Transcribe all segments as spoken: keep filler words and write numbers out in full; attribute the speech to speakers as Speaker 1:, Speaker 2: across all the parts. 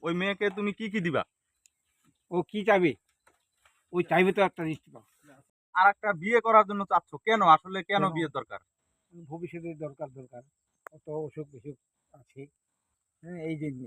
Speaker 1: ওই মেয়েকে তুমি কি কি দিবা?
Speaker 2: ও কি চাইবে? ওই চাইবে তো একটা জিনিস পাও।
Speaker 1: আর একটা বিয়ে করার জন্য চাচ্ছ কেন? আসলে কেন
Speaker 2: কেন?
Speaker 1: বিয়ের দরকার?
Speaker 2: ভবিষ্যতে দরকার দরকার কত অসুখ বিসুখ আছে, হ্যাঁ, এই জন্য।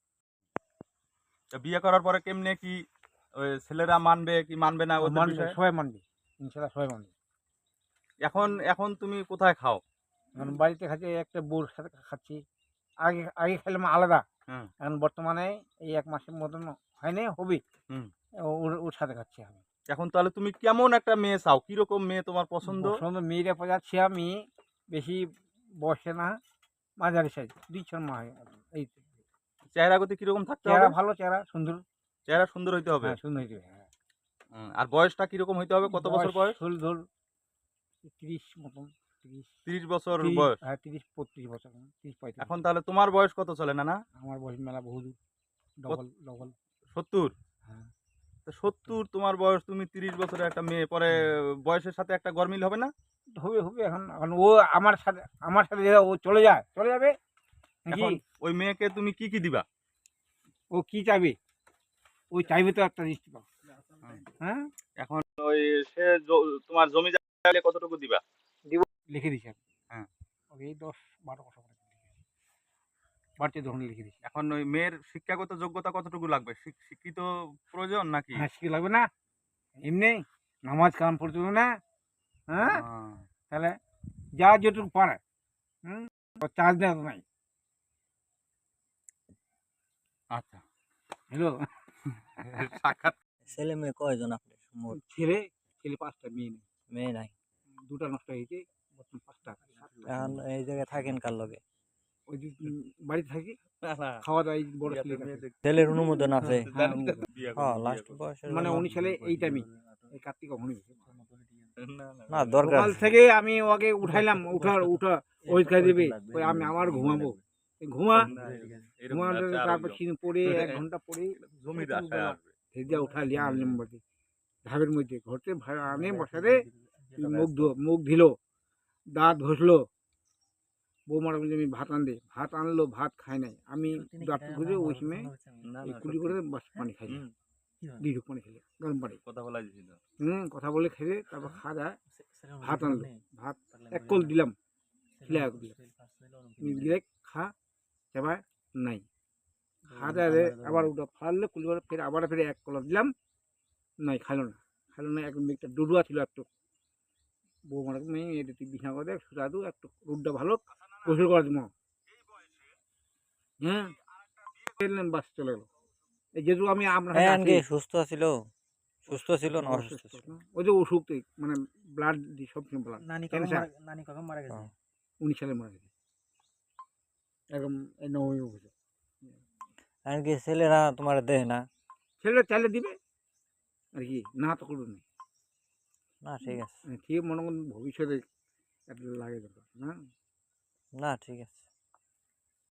Speaker 1: তা বিয়ে করার পরে কেমনে কি ওই ছেলেরা মানবে কি মানবে না ওদের
Speaker 2: মানবে,
Speaker 1: বিষয়ে?
Speaker 2: সবাই মানবে, ইনশাল্লাহ সবাই মানবে।
Speaker 1: এখন এখন তুমি কোথায় খাও?
Speaker 2: এখন বাড়িতে খাচ্ছি, একটা বউর সাথে খাচ্ছি। আগে আগে খেলাম আলাদা,
Speaker 1: হুম
Speaker 2: এখন বর্তমানে এই এক মাসের মতন হয়নি, হবে।
Speaker 1: হুম।
Speaker 2: ওর ওর সাথে খাচ্ছি আমি।
Speaker 1: এখন তাহলে তুমি কেমন একটা মেয়ে চাও? কিরকম মেয়ে তোমার পছন্দ?
Speaker 2: পছন্দ মেয়েরা পাচ্ছি আমি, বেশি বয়সে না, মাঝারি সাইজ, দুই ছর মা হয় মতন। এই তো।
Speaker 1: চেহারা গতি কিরকম থাকতে
Speaker 2: চেহারা
Speaker 1: হবে?
Speaker 2: ভালো, চেহারা সুন্দর।
Speaker 1: চেহারা সুন্দর হইতে হবে।
Speaker 2: হ্যাঁ, সুন্দর হইতে হবে, হ্যাঁ।
Speaker 1: হুম, আর বয়সটা কিরকম হইতে হবে? কত বছর বয়স?
Speaker 2: ষোল ধর, তিরিশ মতন, তিরিশ,
Speaker 1: তিরিশ বছর
Speaker 2: তিরিশ,
Speaker 1: বয়স।
Speaker 2: হ্যাঁ, তিরিশ বত্রিশ বছর, তিরিশ পঁয়ত্রিশ
Speaker 1: এখন
Speaker 2: বছর।
Speaker 1: তাহলে তোমার বয়স কত চলে না না?
Speaker 2: আমার বয়স মেলা বহু, ডবল ডবল।
Speaker 1: সত্তর।
Speaker 2: হ্যাঁ।
Speaker 1: সত্তর তোমার বয়স, তুমি তিরিশ বছরের একটা মেয়ে, পরে বয়সের সাথে একটা গরমিল হবে না?
Speaker 2: হবে হবে এখন এখন ও আমার সাথে, আমার সাথে যে ও চলে যায়, চলে যাবে নাকি?
Speaker 1: এখন ওই মেয়েকে তুমি কি কি দিবা?
Speaker 2: ও কি চাইবে? ওই চাইবে তো একটা জিনিস পাও। হ্যাঁ,
Speaker 1: এখন ওই সে জ- তোমার জমি জায়গা কতটুকু দিবা?
Speaker 2: লিখে দিছি আমি।
Speaker 1: হ্যাঁ।
Speaker 2: ওকে এই দশ বারো কথা করে লিখে দিছি। বাড়তি ধরুন লিখে দিছি।
Speaker 1: এখন ওই মেয়ের শিক্ষাগত যোগ্যতা কতটুকু লাগবে? শিক- শিক্ষিত প্রয়োজন নাকি?
Speaker 2: হ্যাঁ, শিখে লাগবে না? এমনি নামাজ কালাম পড়তে হবে না? হ্যাঁ,
Speaker 1: আহ,
Speaker 2: তাহলে যা যেটুকু পারে, হুম, চার্জ দেওয়া নাই।
Speaker 1: আচ্ছা।
Speaker 2: হ্যালো।
Speaker 1: সাক্ষাৎ।
Speaker 3: ছেলে মেয়ে কয়জন আপনার মোট?
Speaker 2: ছেলে, ছেলে পাঁচটা, মেয়ে নেই।
Speaker 3: মেয়ে নাই।
Speaker 2: দুটা নষ্ট হয়েছে, বর্তমান পাঁচটা।
Speaker 3: এখন এই জায়গায় থাকেন কার লগে?
Speaker 2: ওই যে উম, বাড়িতে থাকি, খাওয়া দাওয়া এই বড় ছেলে কাছে।
Speaker 3: ছেলের অনুমোদন আছে?
Speaker 2: হ্যাঁ,
Speaker 3: হ্যাঁ, লাস্ট বয়সের
Speaker 2: মানে
Speaker 3: জন্য।
Speaker 2: উনি ছেলে এই টাইমে, এই কার্তিক হনি।
Speaker 3: না, দরকার।
Speaker 2: সকাল থেকে আমি ওকে উঠাইলাম, উঠার উঠা ওই খাই দেবে, ওই আমি আবার ঘুমাবো, এই ঘুমা ঘুমাতে, তারপর চিনি পরে এক ঘন্টা পরে
Speaker 1: জমির আশায় আসবে।
Speaker 2: ভেজা উঠা লিয়া আনলাম বাড়ি ঢাবের মধ্যে, ঘরতে ভা- আনে বসারে, মুখ ধো মুখ দিল, দাঁত ঘষলো, বৌমার বলছে আমি ভাত আনবে, ভাত আনলো, ভাত খাই নাই, আমি দাঁত ঘুরে ওই সময় এই কুলি করে বাস পানি খাই, দুই ঢুক পানি খেলে, গরম পানি।
Speaker 1: কথা বলা যাচ্ছিল।
Speaker 2: হুম, কথা বলে খেলে, তারপর খাওয়া দাওয়া, ভাত আনলো, ভাত এক কল দিলাম, খিলা দিলাম, দিলে খা, সেবার নাই, খাওয়া দাওয়া আবার ওটা ফাড়লো, কুলি করে ফের আবার ফের এক কলা দিলাম, নাই, খাইলো না, খাইলো না। এক একটা ডুডুয়া ছিল একটু, বৌমার মেয়ে এটা তুই বিছানা করে দেখ, সুতা দু একটু রোডটা ভালো, গোসল করার জন্য। হ্যাঁ, ফেললেন, বাস চলে গেলো। এই যেহেতু আমি আপনার কাছে
Speaker 3: হ্যাঁ,
Speaker 2: আছি,
Speaker 3: কি সুস্থ ছিল? সুস্থ ছিল না অসুস্থ
Speaker 2: অসুস্থ
Speaker 3: ছিল?
Speaker 2: না? ওই যে অসুখ তো, মানে ব্লাড দি সবসময় ব্লাড,
Speaker 4: নানি কখন
Speaker 2: ক্যান্সার,
Speaker 4: মারা নানি কখন মারা গেছে?
Speaker 3: হ্যাঁ।
Speaker 2: উনিশ সালে মারা গেছে, একদম এই নবমী বছর।
Speaker 3: এখন কি ছেলেরা তোমার দেয় না?
Speaker 2: ছেলেটা চাইলে দিবে আর কি, না তো করবে না।
Speaker 3: না, ঠিক আছে।
Speaker 2: ঠিক মনে করেন ভবিষ্যতে একটা লাগে দরকার না।
Speaker 3: না, ঠিক আছে।